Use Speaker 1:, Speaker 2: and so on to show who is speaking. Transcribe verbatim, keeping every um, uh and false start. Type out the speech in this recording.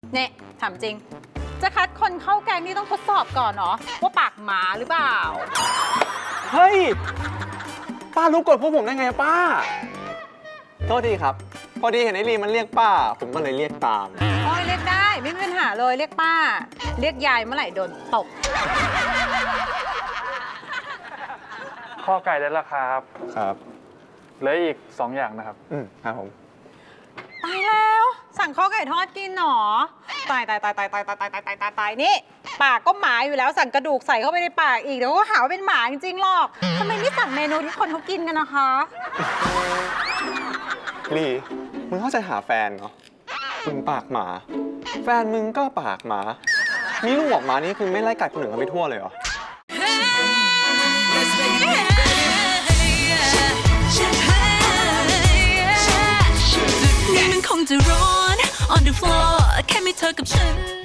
Speaker 1: เนี่ยถามจริง จะคัดคนเข้าแกงนี่ต้องทดสอบก่อนเนาะว่าปากหมาหรือเปล่า
Speaker 2: เฮ้ย ป้ารู้กฎพวกผมได้ไงป้า โทษทีครับ พอดีเห็นไอ้ลีมันเรียกป้า ผมก็เลยเรียกตาม
Speaker 1: โอ้ยเรียกได้ไม่มีปัญหาเลยเรียกป้า เรียกยายเมื่อไหร่โดนตบ
Speaker 3: ข้อไก่ได้แล้วครับ
Speaker 2: ครับ
Speaker 3: เหลืออีกสองอย่างนะครับ
Speaker 2: อืมครับผม
Speaker 1: ตายแล้ว สั่งข้าวไก่ทอดกินหรอตายตายตายตายตายตายตายตายตายตายตายนี่ปากก็หมาอยู่แล้วสั่งกระดูกใส่เข้าไปในปากอีกเดี๋ยวก็หาว่าเป็นหมาจริงๆหรอกทำไมไม่สั่งเมนูที่คนเขากินกันนะคะ
Speaker 2: ลี มึงเข้าใจหาแฟนเนาะมึงปากหมา แฟนมึงก็ปากหมา มีลูกออกมานี่คือไม่ไล่กัดคนอื่นเขาไปทั่วเลยเหรอ
Speaker 4: นี่มันคงจะร้อน on the floor แค่มีเธอกับฉัน